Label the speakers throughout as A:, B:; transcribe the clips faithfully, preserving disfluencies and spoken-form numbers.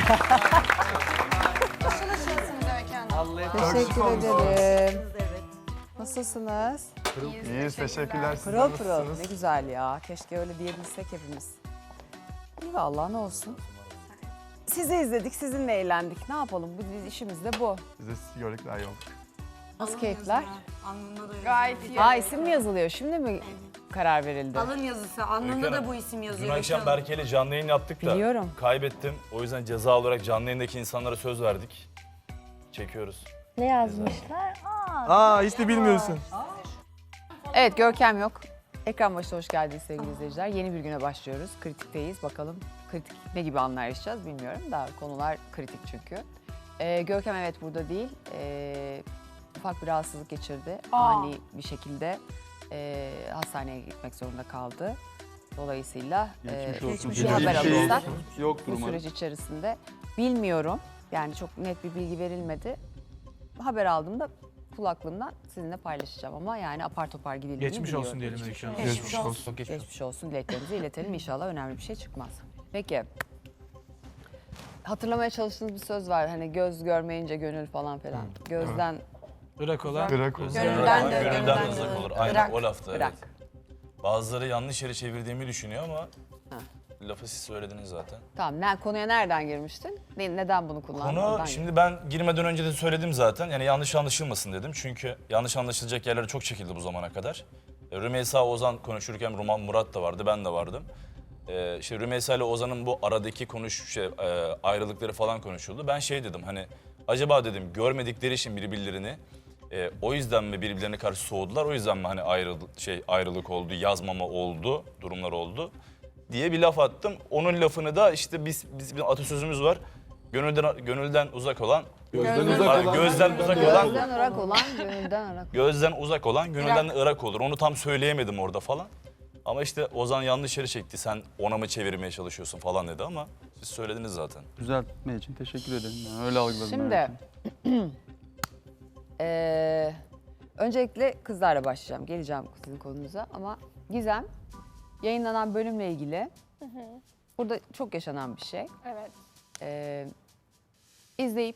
A: Teşekkür ederim. Nasılsınız?
B: İyiyiz, teşekkürler. Siz
A: Pırıl pırıl.
B: nasılsınız?
A: Ne güzel ya. Keşke öyle diyebilsek hepimiz. İyi vallahi ne olsun. Sizi izledik, sizinle eğlendik. Ne yapalım? Bu biz işimiz de bu.
B: Biz de sizi gördük daha iyi olduk.
A: Nasıl keyifler?
C: Gayet iyi.
A: Ha isim mi yazılıyor? Şimdi mi karar verildi?
C: Alın yazısı. Alnında da bu isim yazıyor.
D: Dün akşam Berke ile canlı yayın yaptık da
A: Biliyorum.
D: kaybettim. O yüzden ceza olarak canlı yayındaki insanlara söz verdik. Çekiyoruz.
E: Ne yazmışlar? Aa,
B: Aa hiç de bilmiyorsun.
A: Evet Görkem yok. Ekran başına hoş geldiniz sevgili izleyiciler. Yeni bir güne başlıyoruz. Kritikteyiz. Bakalım kritik ne gibi anlar yaşayacağız bilmiyorum da konular kritik çünkü. Ee, Görkem evet burada değil. Ee, ufak bir rahatsızlık geçirdi. Ani bir şekilde e, hastaneye gitmek zorunda kaldı. Dolayısıyla e, bir haber alırsak bu süreç içerisinde bilmiyorum. Yani çok net bir bilgi verilmedi. Haber aldığımda kulaklığımdan sizinle paylaşacağım ama yani apar topar gidildiğini
F: Geçmiş
A: biliyorum.
F: olsun diyelim Öykü Hanım.
B: Geçmiş olsun.
A: Geçmiş olsun dileklerimizi iletelim. İnşallah önemli bir şey çıkmaz. Peki. Hatırlamaya çalıştığınız bir söz var. Hani göz görmeyince gönül falan filan. Gözden
F: Irak olan.
B: Bırak olsun.
C: Gönülden de,
D: Gönülden
C: gönülden
D: de uzak
C: de.
D: olur. Aynen
A: Bırak,
D: o lafta
A: bırak.
D: evet. Bazıları yanlış yere çevirdiğimi düşünüyor ama lafı siz söylediniz zaten.
A: Tamam. Ne, konuya nereden girmiştin? Ne, neden bunu kullandın?
D: Konu
A: Oradan
D: şimdi ben girmeden önce de söyledim zaten. Yani yanlış anlaşılmasın dedim. Çünkü yanlış anlaşılacak yerlere çok çekildi bu zamana kadar. E, Rümeysa Ozan konuşurken Ruman Murat da vardı, ben de vardım. E, işte Rümeysa ile Ozan'ın bu aradaki konuş şey, e, ayrılıkları falan konuşuldu. Ben şey dedim hani acaba dedim görmedikleri için birbirlerini e, o yüzden mi birbirlerine karşı soğudular? O yüzden mi hani ayrılık şey ayrılık oldu, yazmama oldu, durumlar oldu diye bir laf attım. Onun lafını da işte biz biz bir atasözümüz var. Gönülden gönülden uzak olan
B: Gözden uzak
D: Pardon,
B: olan.
D: gözden uzak olan
A: Gözden ırak olan, gönülden ırak.
D: gözden uzak olan gönülden de ırak olur. Onu tam söyleyemedim orada falan. Ama işte Ozan yanlış yere çekti. Sen ona mı çevirmeye çalışıyorsun falan dedi ama siz söylediniz zaten.
G: Düzeltme için teşekkür ederim. Yani öyle algıladım.
A: Şimdi eee, öncelikle kızlarla başlayacağım. Geleceğim sizin konunuza ama Gizem yayınlanan bölümle ilgili burada çok yaşanan bir şey.
E: evet.
A: Ee, izleyip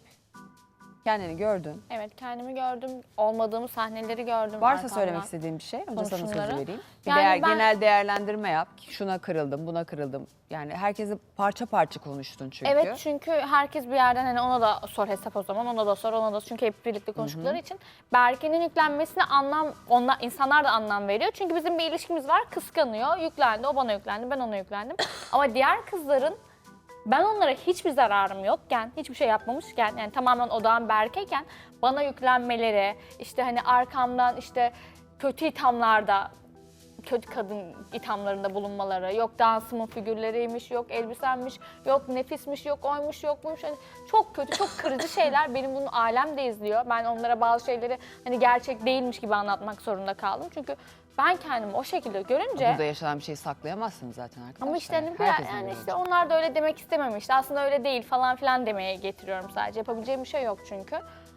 A: kendini gördün.
E: Evet, kendimi gördüm. Olmadığım sahneleri gördüm.
A: Varsa
E: arkamdan.
A: söylemek istediğin bir şey. Önce sana sözü
E: Konuşmaları.
A: vereyim. Bir
E: Yani
A: değer,
E: ben-
A: genel değerlendirme yap. Şuna kırıldım, buna kırıldım. Yani herkesi parça parça konuştun çünkü.
E: Evet, çünkü herkes bir yerden hani ona da sor hesap o zaman, ona da sor, ona da sor. Çünkü hep birlikte konuştukları için Berke'nin yüklenmesine anlam, onlar, insanlar da anlam veriyor. Çünkü bizim bir ilişkimiz var, kıskanıyor, yüklendi, o bana yüklendi, ben ona yüklendim. Ama diğer kızların ben onlara hiçbir zararım yokken, hiçbir şey yapmamışken, yani tamamen odağım Berke'yken bana yüklenmeleri, işte hani arkamdan işte kötü ithamlarda, kötü kadın ithamlarında bulunmaları, yok dansımın figürleriymiş, yok elbisemmiş, yok nefismiş, yok oymuş, yok buymuş. Hani çok kötü, çok kırıcı şeyler. Benim bunu alem de izliyor. Ben onlara bazı şeyleri hani gerçek değilmiş gibi anlatmak zorunda kaldım. Çünkü ben kendimi o şekilde görünce...
A: Burada yaşanan bir şeyi saklayamazsınız zaten arkadaşlar.
E: Ama işte hani bir-
A: Herkesin
E: yani
A: görünce.
E: işte onlar da öyle demek istememişti. Aslında öyle değil falan filan demeye getiriyorum sadece. Yapabileceğim bir şey yok çünkü.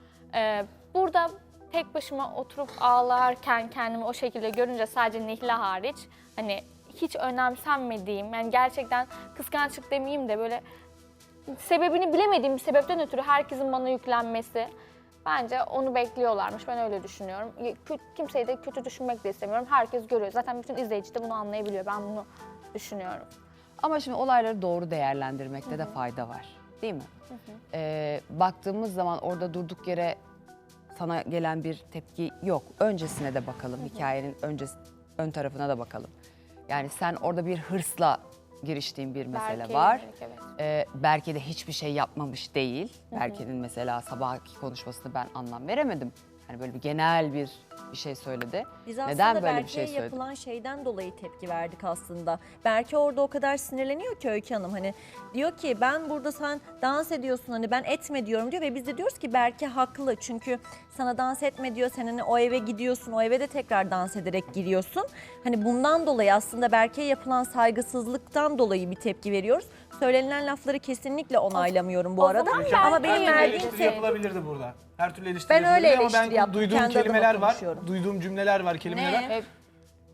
E: Ee, burada tek başıma oturup ağlarken kendimi o şekilde görünce sadece Nihla hariç hani hiç önemsenmediğim, yani gerçekten kıskançlık demeyeyim de böyle sebebini bilemediğim bir sebepten ötürü herkesin bana yüklenmesi, bence onu bekliyorlarmış. Ben öyle düşünüyorum. Kö- Kimseyi de kötü düşünmek de istemiyorum. Herkes görüyor. Zaten bütün izleyici de bunu anlayabiliyor. Ben bunu düşünüyorum.
A: Ama şimdi olayları doğru değerlendirmekte de fayda var. Değil mi? Ee, baktığımız zaman orada durduk yere sana gelen bir tepki yok. Öncesine de bakalım. Hikayenin öncesi, ön tarafına da bakalım. Yani sen orada bir hırsla giriştiğin bir mesele
E: Berke'ye
A: var.
E: yönelik, evet.
A: Ee, Berke de hiçbir şey yapmamış değil. Berke'nin mesela sabahki konuşmasını ben anlam veremedim. Hani böyle bir genel bir bir şey söyledi.
H: Biz aslında
A: Neden böyle bir
H: Berke'ye
A: şey söyledi?
H: yapılan şeyden dolayı tepki verdik aslında. Berke orada o kadar sinirleniyor ki Öykü Hanım, hani diyor ki ben burada sen dans ediyorsun, hani ben etme diyorum diyor ve biz de diyoruz ki Berke haklı. Çünkü sana dans etme diyor, sen hani o eve gidiyorsun, o eve de tekrar dans ederek giriyorsun. Hani bundan dolayı aslında Berke'ye yapılan saygısızlıktan dolayı bir tepki veriyoruz. Söylenilen lafları kesinlikle onaylamıyorum bu
E: o
H: arada.
E: zaman
H: Ama
E: Berke'ye
H: benim
E: yönelik
H: verdiğim
F: Eleştiri
H: şey...
F: yapılabilirdi burada. Her türlü eleştiri
H: Ben öyle
F: yapılabilir ama
H: eleştiri
F: ben
H: yaptım,
F: duyduğum
H: kendi adıma
F: kelimeler var.
H: konuşuyorum.
F: Duyduğum cümleler var, kelimeler var.
A: Hep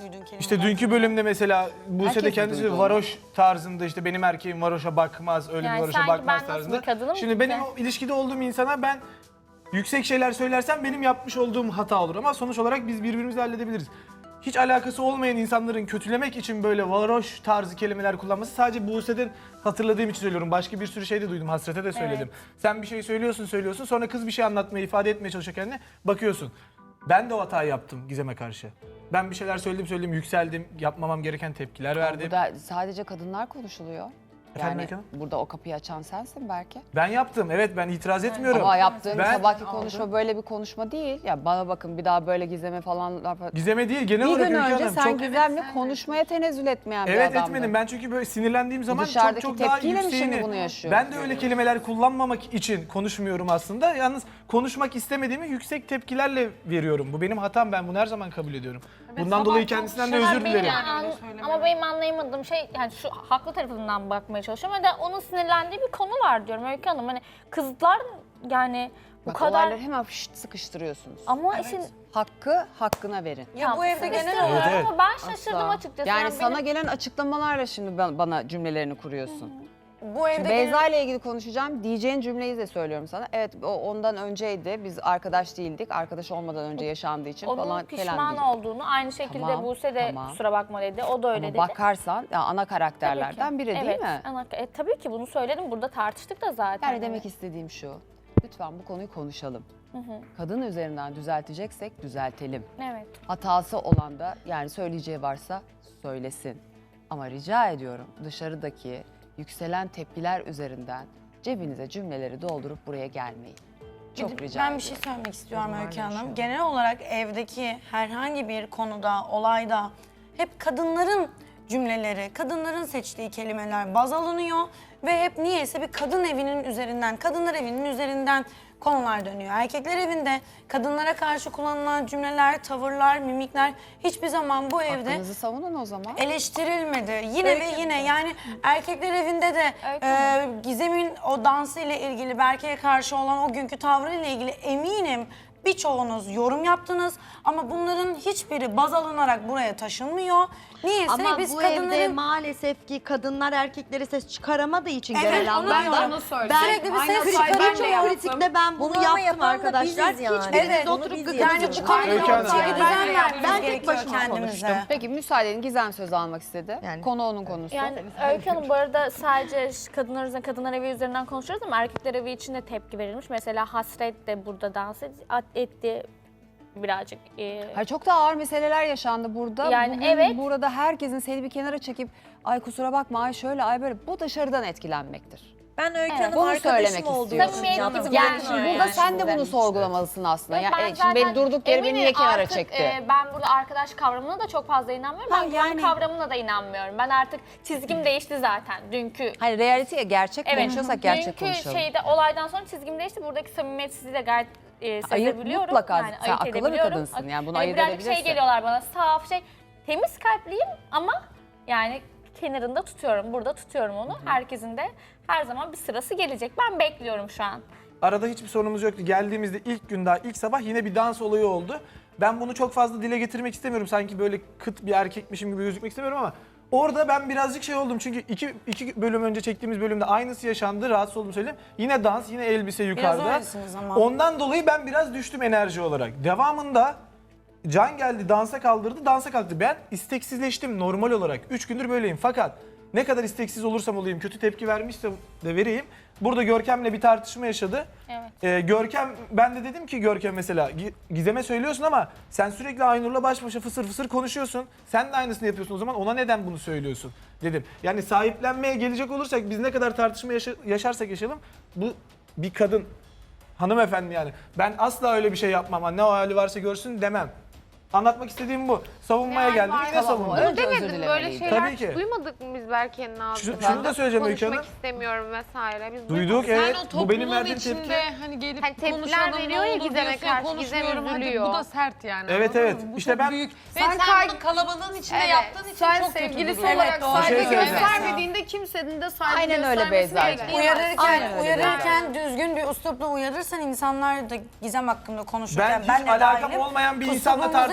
C: duyduğun kelimeler?
F: İşte dünkü bölümde mesela Buse
A: Herkes
F: de
A: mi
F: kendisi
A: duydu onu?
F: varoş tarzında işte benim erkeğim varoşa bakmaz, öyle
E: Yani
F: bir varoşa
E: sanki
F: bakmaz
E: ben nasıl
F: tarzında.
E: bir kadınım
F: Şimdi
E: ki?
F: benim o ilişkide olduğum insana ben yüksek şeyler söylersem benim yapmış olduğum hata olur ama sonuç olarak biz birbirimizi halledebiliriz. Hiç alakası olmayan insanların kötülemek için böyle varoş tarzı kelimeler kullanması sadece Buse'den hatırladığım için söylüyorum. Başka bir sürü şey de duydum, Hasret'e de söyledim. Sen bir şey söylüyorsun söylüyorsun sonra kız bir şey anlatmaya, ifade etmeye çalışıyor kendine bakıyorsun. Ben de o hatayı yaptım Gizem'e karşı. Ben bir şeyler söyledim söyledim yükseldim, yapmamam gereken tepkiler verdim.
A: Burada sadece kadınlar konuşuluyor.
F: Efendim
A: Yani
F: Öykü Hanım?
A: burada o kapıyı açan sensin belki.
F: Ben yaptım, evet ben itiraz etmiyorum.
A: Ama yaptığın
F: Ben-
A: sabahki konuşma böyle bir konuşma değil. Ya bana bakın bir daha böyle Gizem'e falan laf...
F: Gizem'e değil genel
A: Bir
F: olarak
A: gün
F: Öykü
A: önce
F: Hanım.
A: sen
F: Çok...
A: Gizem'le konuşmaya tenezzül etmeyen bir
F: Evet
A: adamdın.
F: etmedim. Ben çünkü böyle sinirlendiğim zaman çok
A: dışarıdaki
F: çok daha
A: tepkiyle mi
F: yükseğini...
A: şimdi bunu yaşıyorsun?
F: Ben de öyle kelimeler kullanmamak için konuşmuyorum aslında. Yalnız konuşmak istemediğimi yüksek tepkilerle veriyorum. Bu benim hatam. Ben bunu her zaman kabul ediyorum. Bundan dolayı kendisinden de özür
E: Benim
F: dilerim.
E: an- ama benim anlayamadığım şey yani şu haklı tarafından bakmaya çalışıyorum. Ve de onun sinirlendiği bir konu var diyorum Öykü Hanım. Hani kızlar yani bu
A: Bak,
E: kadar
A: olayları hemen fışt sıkıştırıyorsunuz.
E: ama işin
A: Hakkı hakkına verin.
C: Ya bu evde genel
E: İstemiyorum
C: olarak
F: Evet,
E: ama ben şaşırdım
A: Asla.
E: açıkçası.
A: Yani
E: Yani
A: sana
E: benim-
A: gelen açıklamalarla şimdi ben- bana cümlelerini kuruyorsun.
C: bu evde
A: Şimdi
C: genel-
A: Beyza ile ilgili konuşacağım. Diyeceğin cümleyi de söylüyorum sana. Evet o ondan önceydi. Biz arkadaş değildik. Arkadaş olmadan önce yaşandığı için
E: onun
A: falan
E: pişman
A: falan değil.
E: olduğunu aynı şekilde
A: Tamam,
E: Buse de
A: tamam.
E: kusura bakma dedi. O da öyle
A: Ama
E: dedi.
A: bakarsan ya ana
E: Tabii
A: karakterlerden
E: ki.
A: biri
E: evet,
A: değil mi?
E: ana- e, tabii ki bunu söyledim. Burada tartıştık da zaten.
A: Yani demek istediğim şu. Lütfen bu konuyu konuşalım. Kadın üzerinden düzelteceksek düzeltelim.
E: Evet.
A: Hatası olan da yani söyleyeceği varsa söylesin. Ama rica ediyorum dışarıdaki yükselen tepkiler üzerinden cebinize cümleleri doldurup buraya gelmeyin. Çok
C: Bir de
A: rica
C: ben
A: ediyorum.
C: bir şey söylemek istiyorum
A: Kadınlar
C: Öykü Hanım.
A: yaşıyor.
C: Genel olarak evdeki herhangi bir konuda, olayda hep kadınların cümleleri, kadınların seçtiği kelimeler baz alınıyor ve hep niyeyse bir kadın evinin üzerinden, kadınlar evinin üzerinden konular dönüyor. Erkekler evinde kadınlara karşı kullanılan cümleler, tavırlar, mimikler hiçbir zaman bu evde
A: Hakkınızı savunun o zaman.
C: eleştirilmedi. Yine ve yine yani erkekler evinde de
E: Öykü
C: e, Gizem'in o dansı ile ilgili Berke'ye karşı olan o günkü tavrı ile ilgili eminim birçoğunuz yorum yaptınız ama bunların hiçbiri baz alınarak buraya taşınmıyor. Niyeyse
I: Ama
C: biz
I: bu
C: kadınların
I: evde maalesef ki kadınlar erkeklere ses çıkaramadığı için
C: Evet,
I: genel
C: onu
I: anlamda
C: diyorum.
I: ben
C: Sürekli bir ses
I: kritik-
C: çıkaramıyor.
I: birçok kritikte ben bunu,
H: Bunu ama
I: yaptım
H: yapan da
I: arkadaşlar.
H: biziz yani.
I: Hiçbiriniz
C: Evet,
I: de
H: bunu
I: oturup
H: biz
I: gıkınızı
C: yani bu
H: yapıyoruz.
C: konuda
F: Öykü Hanım.
C: çeki düzen
I: Ben
C: vermemiz
I: tek
C: gerekiyor
I: başıma
C: kendimize.
I: konuştum.
A: Peki müsaade edin Gizem söz almak istedi.
I: Yani-
A: Konu onun konusu.
E: Yani Öykü Hanım bu arada sadece ş- kadınlar üzerinden, kadınlar evi üzerinden konuşuyoruz ama erkekler evi için de tepki verilmiş. Mesela Hasret de burada dans et- at- etti birazcık. e,
A: Hayır, çok da ağır meseleler yaşandı burada.
E: Yani
A: Bugün
E: evet.
A: burada herkesin seni bir kenara çekip ay kusura bakma ay şöyle ay böyle bu dışarıdan etkilenmektir.
H: Ben Öykü
A: Evet,
H: Hanım
A: bunu
H: arkadaşım
A: söylemek
H: olduğu
A: istiyorum.
H: için
E: Samimiyet
H: yaptım.
E: gibi
A: Yani
E: Yani
A: şimdi
E: yani.
A: burada sen de bunu sorgulamalısın aslında.
E: Yok,
A: Ya,
E: ben
A: e, şimdi beni
E: zaten
A: durduk yere beni
E: eminim
A: niye kenara
E: artık,
A: çekti?
E: e, ben burada arkadaş kavramına da çok fazla inanmıyorum.
A: Ha,
E: Ben
A: yani-
E: yani... kavramına da inanmıyorum. Ben artık çizgim değişti zaten dünkü.
A: Hayır realite gerçek
E: Evet,
A: konuşuyorsak gerçek
E: dünkü
A: konuşalım.
E: şeyde olaydan sonra çizgim değişti. Buradaki samimiyetsizliği de gayet e,
A: Ayırt
E: sezebiliyorum.
A: mutlaka. Sen
E: ayırt
A: akıllı bir
E: edebiliyorum.
A: kadınsın, yani bunu
E: Hani
A: ayırt
E: birazcık
A: edebilirsin.
E: şey geliyorlar bana saf şey. Temiz kalpliyim ama yani kenarında tutuyorum. Burada tutuyorum onu. Herkesin de her zaman bir sırası gelecek. Ben bekliyorum şu an.
F: Arada hiçbir sorunumuz yoktu. Geldiğimizde ilk gün daha ilk sabah yine bir dans olayı oldu. Ben bunu çok fazla dile getirmek istemiyorum. Sanki böyle kıt bir erkekmişim gibi gözükmek istemiyorum ama orada ben birazcık şey oldum. Çünkü iki, iki bölüm önce çektiğimiz bölümde aynısı yaşandı. Rahatsız oldum söyleyeyim. Yine dans, yine elbise yukarıda.
C: öylesiniz ama.
F: Ondan dolayı ben biraz düştüm enerji olarak. Devamında Can geldi dansa kaldırdı, dansa kalktı. Ben isteksizleştim normal olarak. Üç gündür böyleyim fakat ne kadar isteksiz olursam olayım, kötü tepki vermişse de vereyim. Burada Görkem'le bir tartışma yaşadı.
E: Evet.
F: Ee, Görkem, ben de dedim ki Görkem mesela Gi- Gizem'e söylüyorsun ama sen sürekli Aynur'la baş başa fısır fısır konuşuyorsun. Sen de aynısını yapıyorsun o zaman ona neden bunu söylüyorsun dedim. Yani sahiplenmeye gelecek olursak biz ne kadar tartışma yaşa- yaşarsak yaşayalım bu bir kadın hanımefendi yani. Ben asla öyle bir şey yapmam. Ne o hali varsa görsün demem. Anlatmak istediğim bu. Savunmaya
J: Yani
F: geldim
J: var-
F: yine savundum.
A: Önce özür
J: Demedim böyle
A: dilemeliydi.
J: şeyler
F: Tabii ki.
J: duymadık mı biz Berke'nin ağzından?
F: Şunu- şunu da söyleyeceğim Öykü
J: Konuşmak
F: Hanım.
J: istemiyorum vesaire. Biz
F: Duyduk
J: duymadık.
F: evet.
K: Yani o
F: Bu benim
K: toplumun
F: verdiğim
K: içinde
F: tepki.
K: hani gelip
J: Hani tepkiler
K: konuşalım, ne
J: veriyor ya
K: olur
J: Gizem'e
K: diyorsun,
J: karşı,
K: konuşmuyorum.
J: Gizem
K: Hadi
J: üzülüyor.
K: bu da sert yani.
F: Evet,
K: anladın
F: evet.
K: mı? Bu
F: İşte
K: çok
F: ben-
K: büyük. Ve
J: Sen
K: sen,
J: kay-
K: bunu kalabalığın içinde
J: Evet.
K: yaptığın için Sen çok kötü
J: sevgilisi
K: duruyor.
J: olarak
C: Evet, doğru.
J: saygı
F: Bir şey söyleyeceğim.
J: göstermediğinde kimsenin de saygı
A: Aynen öyle
J: göstermesini
A: Beyza'cığım.
J: bekleyemez.
C: Uyarırken,
A: Aynen öyle.
C: uyarırken düzgün bir üslupla uyarırsan insanlar da Gizem hakkında konuşurken
F: Ben
C: ben
F: hiç
C: de
F: alakam
C: dahilim,
F: olmayan bir insanla
C: kusurumuzu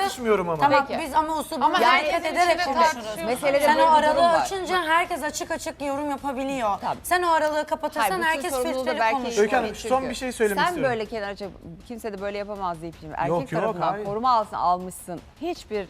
F: tartışmıyorum ama.
C: Tamam
A: Peki.
C: biz ama uslu
J: Ama
C: buna
J: herkesin
C: dikkat ederek
J: içinde
C: konuşuruz.
J: tartışıyor.
A: Meselede
C: Sen
A: böyle
C: o
A: bir durum
C: aralığı
A: var.
C: açınca herkes açık açık yorum yapabiliyor.
A: Tabii.
C: Sen o aralığı
A: Hayır,
C: kapatırsan
A: bütün
C: herkes
A: sorumluluğu da
C: filtreli
A: belki-
C: konuşuyor.
F: Öykü Hanım,
A: Çünkü
F: son bir şey söylemek
A: sen
F: istiyorum.
A: böyle kenara çek, kimse de böyle yapamaz deyip şimdi erkek
F: Yok, yok,
A: tarafından
F: hayır.
A: koruma altına almışsın. Hiçbir e,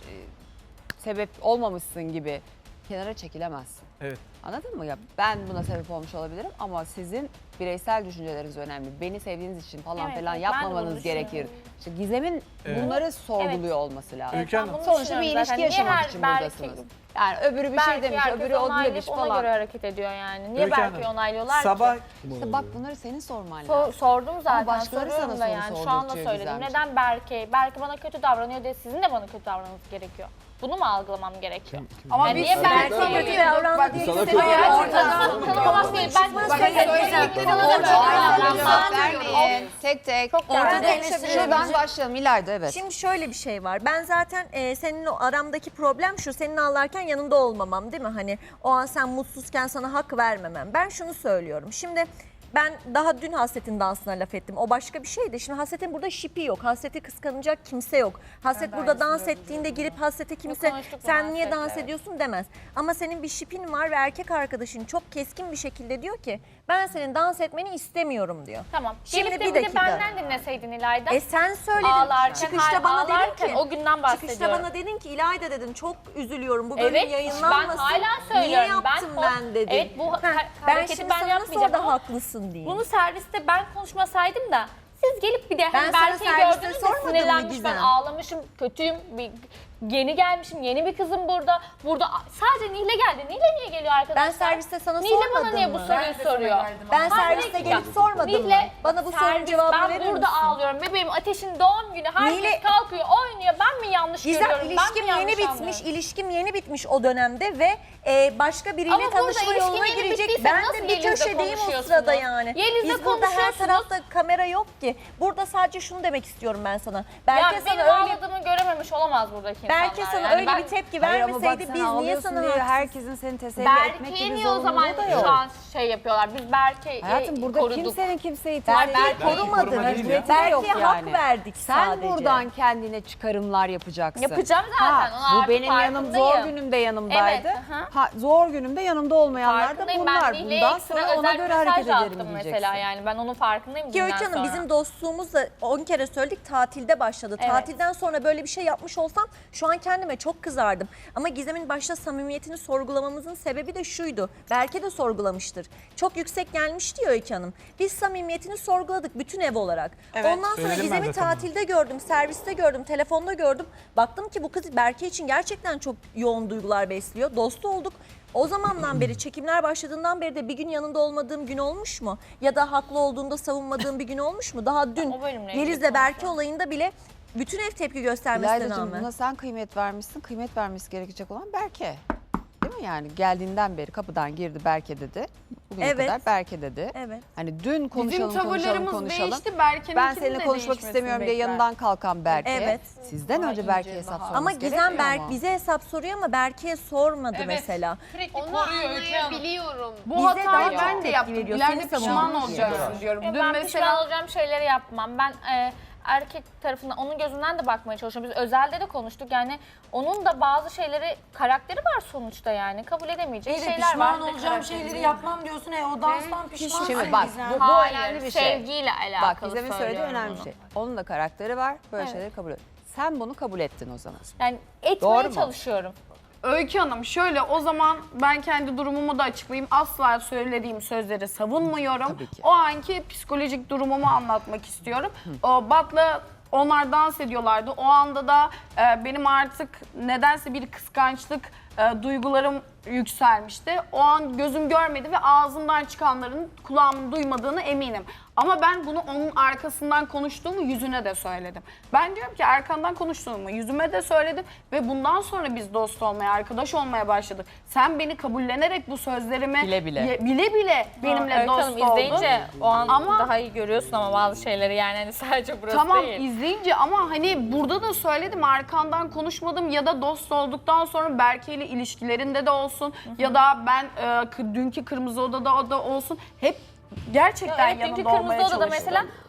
A: sebep olmamışsın gibi kenara çekilemezsin.
F: Evet.
A: Anladın mı ya? Ben buna sebep olmuş olabilirim ama sizin bireysel düşünceleriniz önemli. Beni sevdiğiniz için falan
E: Evet,
A: falan
E: evet, ben de bunu
A: yapmamanız gerekir.
E: düşünüyorum.
A: İşte Gizem'in
F: Evet.
A: bunları sorguluyor olması lazım.
F: Öykü Hanım.
E: Ben bunu
A: Sonuçta bir
E: düşünüyorum
A: ilişki
E: zaten. Niye
A: yaşamak
E: her
A: için
E: Berke-
A: buradasınız. Yani öbürü bir şey
E: Belki
A: demiş,
E: herkes
A: öbürü o
E: onaylayıp
A: demiş
E: ona
A: falan.
E: göre hareket ediyor yani. Niye
F: Öykü
E: belki
F: Hanım,
E: onaylıyorlar
F: Sabah
E: ki?
A: İşte bak bunları senin sorman
E: So-
A: lazım.
E: sordum zaten,
A: başkaları
E: soruyorum
A: sana
E: da
A: soru
E: yani. Şu anda
A: sordurtuyor
E: söyledim.
A: Gizemciğim.
E: Neden Berke? Berke bana kötü davranıyor diye sizin de bana kötü davranmanız gerekiyor. Bunu mu algılamam gerekiyor?
J: Ama
E: Yani
J: biz
E: niye
J: sana
E: Berke'yi
J: kötü
E: görüyoruz?
H: davrandı
J: Bak,
H: diye
J: sana
H: kimse
J: kötü
H: de
E: Ortadan tanımamak değil. Ben
J: Bak,
E: söylediğim
J: söyleyecekleri
E: sana da
J: ortada.
E: böyle
J: Aynen.
E: davranmam.
A: Vermeyin. Tek tek.
E: Çok
C: Ortada
E: yani.
C: eleştiri-
A: Şuradan başlayalım İlayda, evet.
H: Şimdi şöyle bir şey var. Ben zaten e, senin o aramdaki problem şu. Senin ağlarken yanında olmamam değil mi? Hani o an sen mutsuzken sana hak vermemem. Ben şunu söylüyorum. Şimdi ben daha dün Hasret'in dansına laf ettim. O başka bir şeydi. Şimdi Hasret'in burada şipi yok. Hasret'i kıskanacak kimse yok. Hasret burada dans ettiğinde girip Hasret'e kimse
E: konuştuk bu
H: sen niye
E: Hasret'le,
H: dans
E: evet.
H: ediyorsun demez. Ama senin bir şipin var ve erkek arkadaşın çok keskin bir şekilde diyor ki ben senin dans etmeni istemiyorum diyor.
E: Tamam.
H: Şimdi
E: Gelip
H: bir
E: de bir de
H: dakika.
E: benden dinleseydin İlayda.
H: E sen söyledin.
E: Ağlarken,
H: çıkışta
E: hayır,
H: bana dedin
E: ağlarken
H: ki.
E: o günden bahsediyorum.
H: Çıkışta bana dedin ki İlayda dedin çok üzülüyorum bu bölüm
E: Evet,
H: yayınlanmasın.
E: ben hala
H: Niye
E: söylüyorum.
H: yaptım
E: Ben
H: ben,
E: o-
H: dedin.
E: evet, bu
H: Heh,
E: ha-
H: ben
E: hareketi
H: şimdi
E: ben
H: sana nasıl
E: yapmayacağım
H: orada
E: ama
H: haklısın diyeyim.
E: Bunu serviste ben konuşmasaydım da siz gelip bir de
H: Ben
E: hani
H: sana
E: Berke'yi
H: serviste
E: gördünüz de
H: sormadım mı
E: sinirlenmiş, ben
H: Gizem?
E: ağlamışım, kötüyüm, bir, yeni gelmişim, yeni bir kızım burada. Burada sadece Nihle geldi. Nihle niye geliyor arkadaşlar?
H: Ben serviste sana
E: Nihle bana
H: sormadım
E: niye
H: mı?
E: bu soruyu soruyor?
H: Ben
E: Hayır,
H: serviste
E: bir dakika.
H: gelip sormadım mı?
E: Nihle,
H: Bana bu sorunun
E: servis,
H: cevabını verir
E: Ben burada
H: misin?
E: ağlıyorum. Bebeğim Ateş'in doğum günü. Herkes
H: Nihle-
E: kalkıyor, oynuyor. Ben mi yanlış
H: Gizem
E: görüyorum?
H: ilişkim
E: ben mi yanlış
H: yeni bitmiş,
E: anlıyorum?
H: ilişkim yeni bitmiş o dönemde ve e, başka biriyle
E: Ama burada
H: tanışma
E: ilişkin
H: yoluna
E: yeni
H: girecek.
E: bittiyse
H: Ben
E: nasıl
H: de bir
E: Yeliz'le
H: köşedeyim o
E: konuşuyorsunuz?
H: sırada yani.
E: Yeliz'le
H: Biz burada her
E: konuşuyorsunuz.
H: tarafta kamera yok ki. Burada sadece şunu demek istiyorum ben sana. Belki
E: Ya
H: sana
E: benim
H: öyle
E: ağladığımı görememiş olamaz buradaki insanlar.
H: belki sana
E: yani.
H: öyle
E: Ben-
H: bir tepki
A: Hayır ama bak
H: vermeseydi
A: sen
H: biz niye
A: ağlıyorsun
H: sana
A: diye
H: haksız-
A: herkesin seni teselli etmek
E: Berke'yi
A: gibi
E: niye o zaman
A: zorunluluğu da yok.
E: şu an şey yapıyorlar? Biz Berke'yi
A: Hayatım burada
E: koruduk.
A: kimsenin kimseyi
H: Ben
A: teselli
H: Berke'yi
A: etmeyi
H: korumadım.
F: koruma değil ya.
A: Berke'ye yok
H: Berke'ye
A: yani.
H: hak verdik
A: Sen
H: sadece.
A: buradan kendine çıkarımlar yapacaksın.
E: Yapacağım zaten, ona
A: bu
E: artık
A: benim yanım zor
E: farkındayım.
A: günümde yanımdaydı.
E: Evet, hı hı.
A: Ha, zor günümde yanımda olmayanlar da
E: Farkındayım.
A: bunlar.
E: Ben Nihle'ye
A: Bundan
E: ekstra
A: sonra ona
E: özel
A: göre
E: mesaj
A: hareket ederim
E: attım
A: diyeceksin.
E: mesela yani. Ben onun farkındayım
H: Ki
E: dünden
H: Öykü Hanım
E: sonra.
H: bizim dostluğumuz da on kere söyledik tatilde başladı.
E: Evet.
H: Tatilden sonra böyle bir şey yapmış olsam şu an kendime çok kızardım. Ama Gizem'in başta samimiyetini sorgulamamızın sebebi de şuydu. Berke de sorgulamıştır. Çok yüksek gelmiş diyor Öykü Hanım. Biz samimiyetini sorguladık bütün ev olarak. Ondan sonra
F: Söyledim ben
H: Gizem'i
F: de tamam.
H: tatilde gördüm, serviste gördüm, telefonda gördüm. Baktım ki bu kız Berke için gerçekten çok yoğun duygular besliyor. Dost olduk. O zamandan beri çekimler başladığından beri de bir gün yanında olmadığım gün olmuş mu? Ya da haklı olduğunda savunmadığım bir gün olmuş mu? Daha dün
E: O bölümle ilgili
H: Yeliz'le Berke
E: konuşalım.
H: olayında bile bütün ev tepki göstermesine
A: İlayda'cığım
H: rağmen.
A: buna sen kıymet vermişsin. Kıymet vermesi gerekecek olan Berke. Değil mi yani? Geldiğinden beri kapıdan girdi Berke dedi. Bugüne
H: Evet.
A: kadar Berke dedi.
H: Evet.
A: Hani dün konuşalım
J: Bizim
A: konuşalım
J: tavırlarımız
A: konuşalım.
J: değişti. Berke'nin
A: Ben seninle konuşmak istemiyorum diye yanından kalkan Berke.
H: Evet.
A: Sizden önce Berke'ye hesap sorması
H: Ama
A: gerekmiyor
H: Gizem Berk
A: mu?
H: bize hesap soruyor ama Berke'ye sormadı
K: Evet.
H: mesela.
K: Sürekli
J: Onu
K: koruyor Öykü Hanım.
J: anlayabiliyorum. Bu
H: Bize
J: hatayı
H: daha
J: ben
H: çok
J: de
H: tepki
J: yaptım.
H: veriyor.
J: İleride
H: Seni
J: pişman
H: savunuyor.
J: olacaksın diyorum.
E: Yok,
J: Dün
E: ben pişman
J: mesela
E: olacağım şeyleri yapmam. Ben e, erkek tarafından, onun gözünden de bakmaya çalışıyorum. Biz özelde de konuştuk. Yani onun da bazı şeyleri, karakteri var sonuçta yani. Kabul edemeyeceği
C: İyi de
E: şeyler var.
C: pişman
E: Bir de
C: olacağım
E: karakteri
C: şeyleri
E: değil.
C: yapmam diyorsun. E o danstan pişmansın
A: Şimdi bak
C: Gizem.
A: bu, bu
E: Hayır,
A: önemli bir şey.
E: sevgiyle
A: Bak
E: alakalı
A: Gizem'in söylediği
E: söylüyorum
A: önemli
E: bunu.
A: bir şey. Onun da karakteri var. Böyle
E: Evet.
A: şeyleri kabul et. Sen bunu kabul ettin o zaman.
E: Yani etmeye
A: Doğru mu?
E: çalışıyorum.
J: Öykü Hanım şöyle o zaman ben kendi durumumu da açıklayayım. Asla söylediğim sözleri savunmuyorum.
A: Tabii ki.
J: O anki psikolojik durumumu anlatmak istiyorum. O Bat'la onlar dans ediyorlardı. O anda da e, benim artık nedense bir kıskançlık e, duygularım yükselmişti. O an gözüm görmedi ve ağzımdan çıkanların kulağımın duymadığını eminim. Ama ben bunu onun arkasından konuştuğumu yüzüne de söyledim. Ben diyorum ki arkandan konuştuğumu yüzüme de söyledim ve bundan sonra biz dost olmaya, arkadaş olmaya başladık. Sen beni kabullenerek bu sözlerimi
A: Bile bile.
J: ye- bile bile benimle
E: Öykü
J: dost
E: Hanım,
J: oldun.
E: izleyince o an
J: Ama-
E: daha iyi görüyorsun ama bazı şeyleri yani hani sadece burası
J: Tamam
E: değil.
J: izleyince ama hani burada da söyledim arkandan konuşmadım ya da dost olduktan sonra Berke ile ilişkilerinde de olsun ya da ben e, kı- dünkü Kırmızı Oda'da o da olsun hep gerçekten
E: Evet,
J: yanında
E: çünkü
J: olmaya
E: Kırmızı Oda'da
J: çalıştım.
E: mesela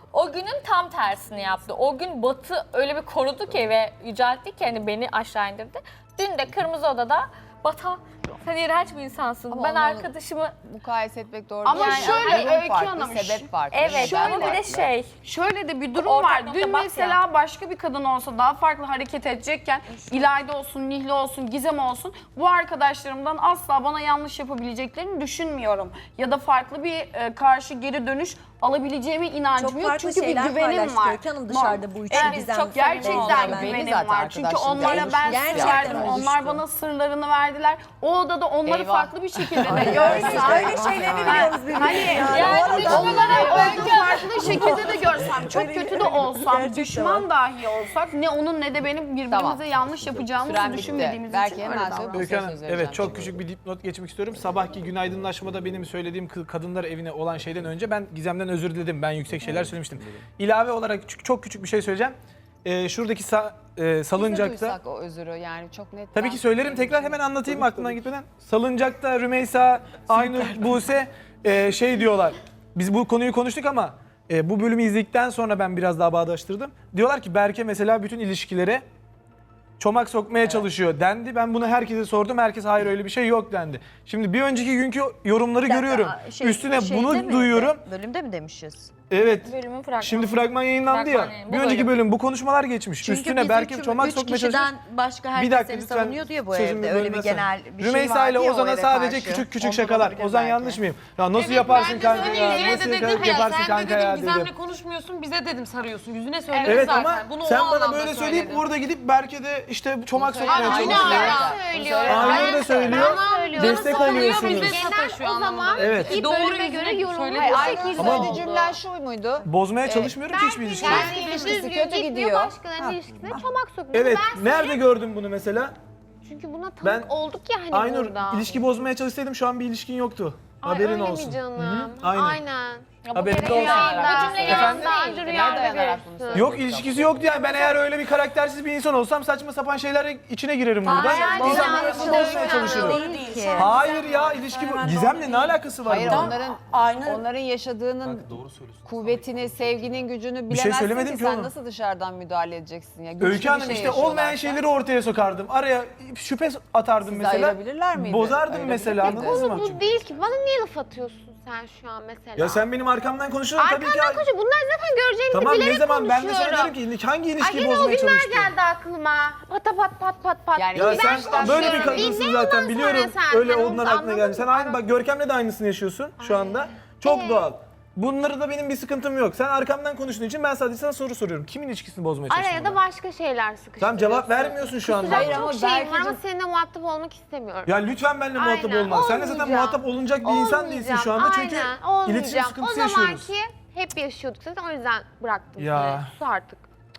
E: o günün tam tersini yaptı. O gün Batı öyle bir korudu ki ve yüceltti ki hani beni aşağı indirdi. Dün de Kırmızı Oda'da Bata sen iğrenç bir insansın.
A: Ama
E: ben
A: onu-
E: arkadaşımı
A: Mukayese etmek doğru
J: Ama
A: değil.
J: şöyle,
A: durum
J: Öykü
A: farklı,
J: Hanım,
A: sebep farklı.
E: evet
A: neden
E: ama bir de
A: farklı?
E: şey
J: Şöyle de bir durum
E: Ortak
J: var.
E: nokta
J: Dün
E: bak
J: mesela
E: ya.
J: başka bir kadın olsa daha farklı hareket edecekken İlayda olsun, Nihle olsun, Gizem olsun bu arkadaşlarımdan asla bana yanlış yapabileceklerini düşünmüyorum. Ya da farklı bir e, karşı geri dönüş alabileceğime inancım
H: Çok
J: yok.
H: farklı
J: Çünkü bir
H: şeyler
J: güvenim
H: paylaştık
J: var.
H: Öykü Hanım dışarıda bu üçü
E: Evet,
H: Gizem.
E: çok
J: Gerçekten
E: Olmalı
J: güvenim
A: bence.
J: var. Çünkü
A: Arkadaşlık
J: onlara
A: oluştu.
J: ben
H: Gerçekten
J: sır verdim.
H: oluştu.
J: Onlar bana sırlarını verdiler. O odada onları
A: Eyvah.
J: farklı bir şekilde de
H: Öyle,
J: görsem.
H: öyle şeyleri biliyoruz birbirimizi.
J: Hani yani düşmanlara olduğu farklı şekilde de görsem, çok kötü de olsam,
H: Gerçekten
J: düşman dahi olsak ne onun ne de benim birbirimize
A: Tamam.
J: yanlış yapacağımızı
A: Süren bitti.
J: düşünmediğimiz
A: Belki
J: için
A: hemen
J: öyle
A: söyle.
J: davranıyorum.
F: Öykü Hanım,
A: söz vereceğim
F: evet çok
A: şimdi.
F: küçük bir dipnot geçmek istiyorum. Sabahki günaydınlaşmada benim söylediğim kı- kadınlar evine olan şeyden önce ben Gizem'den özür diledim. Ben yüksek şeyler söylemiştim. İlave olarak küçük- çok küçük bir şey söyleyeceğim. Ee, şuradaki sa- e,
A: Biz de
F: salıncakta...
A: duysak o özürü yani çok net.
F: Tabii ki söylerim, tekrar hemen anlatayım aklımdan gitmeden. Salıncakta Rümeysa, Aynur, Buse e, şey diyorlar. Biz bu konuyu konuştuk ama e, bu bölümü izledikten sonra ben biraz daha bağdaştırdım. Diyorlar ki Berke mesela bütün ilişkilere çomak sokmaya çalışıyor dendi. Ben bunu herkese sordum. Herkes hayır öyle bir şey yok dendi. Şimdi bir önceki günkü yorumları
I: Bir dakika,
F: görüyorum.
I: şey-
F: Üstüne
I: şeyde
F: bunu
I: mi?
F: duyuyorum.
I: Bölümde mi demişiz?
F: Evet.
E: bölümün fragmanı.
F: Şimdi fragman yayınlandı
E: Fragman
F: ya.
E: yayın, bu
F: Bir önceki
E: bölüm.
F: bölüm bu konuşmalar geçmiş.
I: Çünkü
F: Üstüne
I: biz
F: Berke
I: üç,
F: çomak
I: üç
F: sokmaya çalışıyor.
I: kişiden başka herkes
F: Bir dakika
I: seni
F: lütfen
I: savunuyor diyor bu
F: sözümü
I: evde. Öyle bir
F: bölmesen.
I: genel bir
F: Rümeysa
I: şey var
F: ile
I: diye o
F: Ozan'a
I: eve
F: sadece
I: karşı.
F: küçük küçük
I: Ondan
F: şakalar.
I: olabilir
F: Ozan
I: belki.
F: yanlış mıyım? Ya nasıl
K: Evet,
F: yaparsın
K: ben de
F: kanka
K: söyleyeyim.
F: ya?
K: Yine
F: Nasıl
K: de dedim
F: yaparsın
K: ya,
F: yaparsın
K: sen de
F: kanka
K: dedim
F: ya dedim.
K: Gizem'le konuşmuyorsun bize dedim sarıyorsun. Yüzüne söyledim
F: Evet
K: zaten.
F: ama
K: Bunu
F: sen
K: o
F: bana
K: anlamda
F: böyle söyleyip
K: söyledim.
F: orada gidip Berke de işte çomak
A: Bunu
F: sokmaya
K: Aynı
F: çalışıyor.
K: ara
A: Bunu
K: söylüyorum.
F: Aynur da söylüyor. Destek
K: Savunuyor,
F: alıyorsunuz.
K: bize satışıyor anlamında.
F: Evet.
K: E, doğru göre yorumlar
A: Hayır,
K: bu
A: Aynur'un
K: şekilde
F: Ama-
A: söylediği cümlen şu muydu?
F: Bozmaya çalışmıyorum ki hiçbir ilişkiyi.
A: Kendi ilişkisi kötü gidiyor.
E: Başkalarının ilişkisine çomak sokmuyor.
F: Evet.
E: Ben
F: Nerede gördün bunu mesela?
E: çünkü buna tanık
F: Ben-
E: olduk ya hani
F: Aynur
E: burada.
F: ilişki bozmaya çalışsaydım şu an bir ilişkin yoktu.
E: Ay,
F: Haberin
E: öyle
F: olsun.
E: mi canım?
F: Hı hı, Aynen.
E: Aynen. Ya bu
F: Haberin
E: kere
F: olsun.
E: rüyamda. Bu cümleyi
F: Efendim?
E: aslında rüyamda
A: dayanarak bunu
E: görürsün.
A: söylüyorsun?
F: Yok ilişkisi yoktu yani ben eğer öyle bir karaktersiz bir insan olsam saçma sapan şeyler içine girerim burada.
E: Hayır,
F: Gizem'le
E: hayır,
F: arasını
E: hayır,
F: bozmaya
E: hayır.
F: çalışırım.
C: Doğru değil. Şey,
F: Hayır ya ilişki bu. Gizem'le ne alakası var
A: Hayır
F: bunun?
A: onların
C: Aynur
A: onların yaşadığının kuvvetini, sevginin gücünü
F: şey
A: bilemezsin
F: söylemedim
A: ki
F: ki
A: sen
F: oğlum.
A: nasıl dışarıdan müdahale edeceksin ya. Güçlü
F: Öykü
A: bir
F: Hanım
A: şey
F: işte
A: yaşıyorlarsa.
F: olmayan şeyleri ortaya sokardım. Araya şüphe atardım
A: Sizi
F: mesela.
A: ayırabilirler miydi?
F: Bozardım
A: Ayırabilir
F: mesela
A: miydi?
F: anladınız mı?
E: Bu değil ki. Bana niye laf atıyorsun sen şu an mesela?
F: Ya sen benim arkamdan konuşuyorsun tabii ki.
E: Arkandan konuşuyor. Bunlar zaten göreceğinizi
F: Tamam
E: bilerek
F: ne zaman ben de sana
E: konuşuyorum.
F: derim ki hangi
E: Ay
F: ilişkiyi
E: yine o
F: bozmaya
E: günler
F: çalıştın?
E: geldi aklıma. Pata pat pat pat pat.
A: Yani
F: Ya
A: Ben
F: sen
A: baştan
F: böyle bir
A: söylüyorum.
F: kadınsın
E: Dinle
F: zaten
E: ondan
F: biliyorum.
E: sonra sen.
F: Öyle
E: Sen
F: onların
E: onu
F: aklına geldi.
E: anladın
F: Sen
E: mı?
F: aynı bak Görkem'le de aynısını yaşıyorsun şu anda. Çok
E: Ee?
F: doğal. Bunları da benim bir sıkıntım yok. Sen arkamdan konuştuğun için ben sadece sana soru soruyorum. Kimin ilişkisini bozmaya çalıştın?
E: Araya da
F: bana?
E: başka şeyler sıkıştırıyorsun.
F: Tamam cevap vermiyorsun şu anda.
A: Hayır
E: Çok
A: ama
E: şeyim var ama
A: Berke'cim-
E: seninle muhatap olmak istemiyorum.
F: Ya lütfen benimle muhatap
E: Aynen,
F: olma. Sen de zaten
E: olmayacağım.
F: muhatap olunacak bir insan değilsin şu anda. Çünkü
E: Aynen, olmayacağım.
F: iletişim sıkıntısı
E: o
F: yaşıyoruz.
E: zamanki hep yaşıyorduk zaten o yüzden bıraktım
F: Ya.
E: seni. Sus artık.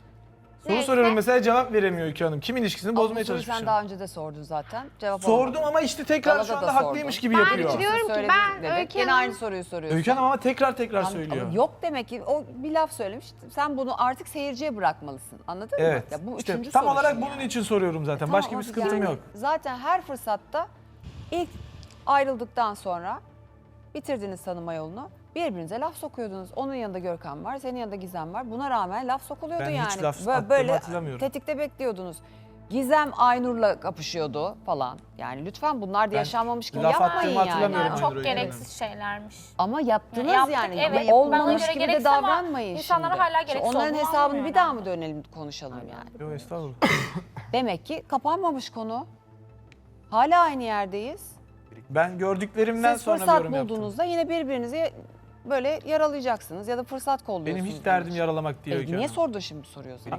F: Soru
E: Neyse.
F: soruyorum mesela cevap veremiyor Öykü Hanım. Kimin ilişkisini
A: Ama bu
F: bozmaya
A: soruyu
F: çalışmışım.
A: sen daha önce de sordun zaten. Cevap
F: Sordum
A: alamadım.
F: ama işte tekrar
A: Galada
F: şu
A: da
F: anda
A: sordum.
F: haklıymış gibi
E: Ben
F: yapıyor.
E: diyorum ki
A: Söyledin
E: ben
A: dedik.
E: Öykü
A: Gene
E: Hanım-
A: aynı soruyu soruyorsun.
F: Öykü Hanım ama tekrar tekrar
A: Ama
F: söylüyor.
A: yok demek ki o bir laf söylemiş. Sen bunu artık seyirciye bırakmalısın. Anladın
F: Evet.
A: mı? Ya bu
F: işte
A: üçüncü
F: tam
A: soru
F: olarak
A: şimdi
F: bunun
A: yani.
F: için soruyorum zaten.
A: Tamam
F: Başka bir
A: ama
F: sıkıntım
A: yani
F: yok.
A: Zaten her fırsatta ilk ayrıldıktan sonra bitirdiniz tanıma yolunu. Birbirinize laf sokuyordunuz. Onun yanında Görkem var, senin yanında Gizem var. Buna rağmen laf sokuluyordu
F: Ben
A: yani.
F: hiç laf
A: Böyle-
F: attığımı
A: böyle
F: hatırlamıyorum.
A: tetikte bekliyordunuz. Gizem Aynur'la kapışıyordu falan. Yani lütfen bunlar da
F: Ben
A: yaşanmamış gibi
F: laf
A: yapmayın
F: attığımı
A: yani.
F: hatırlamıyorum.
E: Yani
F: Aynur
E: çok
F: Öykü
E: gereksiz şeylermiş.
A: Ama yaptınız
E: Yaptık,
A: yani.
E: evet.
A: Ama olmamış
E: Bana göre
A: gibi de
E: gereksiz ama
A: davranmayın
E: insanlara
A: şimdi.
E: hala gereksiz
A: Onların
E: olduğunu
A: hesabını bir
E: anlamıyorum
A: daha
E: ben.
A: mı dönelim konuşalım yani.
F: Yok estağfurullah.
A: Demek ki kapanmamış konu. Hala aynı yerdeyiz.
F: Ben gördüklerimden
A: Siz
F: sonra bir
A: fırsat
F: yorum yaptım.
A: bulduğunuzda yine birbirinizi böyle yaralayacaksınız ya da fırsat kolluyorsunuz.
F: Benim hiç derdim
A: bunun için.
F: yaralamak diye
A: E,
F: Öykü
A: niye
F: Hanım.
A: sordun şimdi soruyor sana?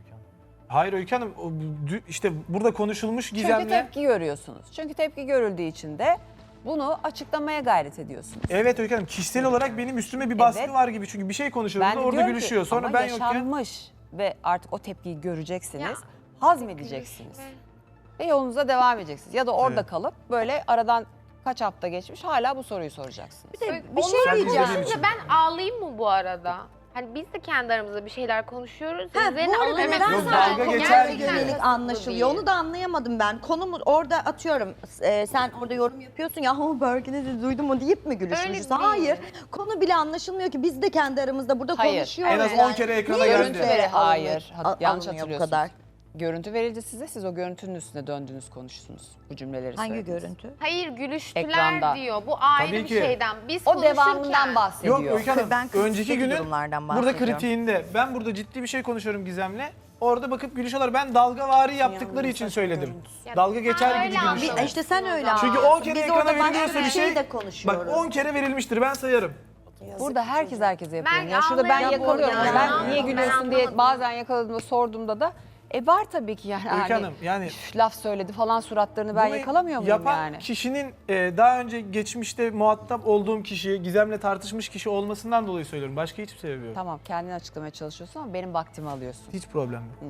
F: Hayır Öykü Hanım o dü- işte burada konuşulmuş
A: Çünkü
F: Gizem'le.
A: tepki görüyorsunuz. Çünkü tepki görüldüğü için de bunu açıklamaya gayret ediyorsunuz.
F: Evet Öykü Hanım kişisel olarak benim üstüme bir baskı
A: Evet.
F: var gibi. Çünkü bir şey konuşuyoruz
A: Ben de
F: da orada
A: diyorum ki,
F: gülüşüyor. Sonra
A: ama
F: ben yokken
A: yaşanmış ve artık o tepkiyi göreceksiniz,
E: Ya,
A: hazmedeceksiniz. Ve yolunuza devam edeceksiniz. Ya da orada
F: Evet.
A: kalıp böyle aradan kaç hafta geçmiş hala bu soruyu soracaksınız.
I: Bir şey
F: Sen
I: diyeceğim.
F: izlediğin için.
E: Ben ağlayayım mı bu arada?
K: Hani biz de kendi aramızda bir şeyler konuşuyoruz.
I: Ha,
K: Üzerine
I: bu arada
K: alınıyor.
I: neden
B: Yok,
I: sana
B: dalga
I: konuya
B: geçer
I: yönelik
B: gibi.
I: anlaşılıyor? Onu da anlayamadım ben. Konumu orada atıyorum. e, sen orada yorum yapıyorsun ya o Berke'ni de duydun mu deyip mi gülüşmüşüz?
K: değil.
I: Hayır. Konu bile anlaşılmıyor ki. Biz de kendi aramızda burada
A: Hayır.
I: konuşuyoruz.
F: En az
I: yani.
F: on kere ekrana
I: Niye
F: geldi.
A: Görüntü
I: görüntülere
A: veri, hayır.
I: alınıyor-
A: Hat- yanlış
I: alınıyor bu
A: hatırlıyorsunuz.
I: kadar?
A: Görüntü verildi size, siz o görüntünün üstüne döndünüz, konuştunuz. Bu cümleleri
I: Hangi
A: söylediniz.
I: görüntü?
K: Hayır gülüştüler
A: Ekranda.
K: diyor. Bu ayrı
F: Tabii
K: bir
F: ki.
K: şeyden. Biz
A: O
K: konuşurken.
A: devamından bahsediyor.
F: Yok Öykü Hanım,
I: Ben kritik
F: önceki günün
I: durumlardan
F: burada
I: bahsediyorum.
F: kritiğinde ben burada ciddi bir şey konuşuyorum Gizem'le. Orada bakıp gülüşüyorlar. Ben dalgavari yaptıkları için söyledim. Dalga geçer
K: öyle
F: gibi gülüşüyorlar.
K: anladım.
I: İşte sen öyle
F: Çünkü
I: anlıyorsun.
F: on kere
I: Biz
F: ekrana
I: orada başka
F: veriliyorsa
I: bir
F: bir şey,
I: de konuşuyoruz.
F: bak on kere verilmiştir ben sayarım.
A: Burada herkes herkese yapıyor.
K: Ben
A: Ya şurada ben
K: anlayamadım.
A: yakalıyorum.
I: Ya
A: Ben
I: ben
A: niye
K: anlamadım.
A: gülüyorsun
K: Ben
A: diye
K: anlamadım.
A: bazen yakaladığımda sorduğumda da e var tabii ki yani.
F: Öykü
A: hani,
F: Hanım yani
A: üf, laf söyledi falan suratlarını ben
F: bunu
A: yakalamıyor muyum
F: yapan
A: yani?
F: kişinin e, daha önce geçmişte muhatap olduğum kişi, Gizem'le tartışmış kişi olmasından dolayı söylüyorum. Başka hiçbir sebebi yok.
A: Tamam kendini açıklamaya çalışıyorsun ama benim vaktimi alıyorsun.
F: Hiç problem yok.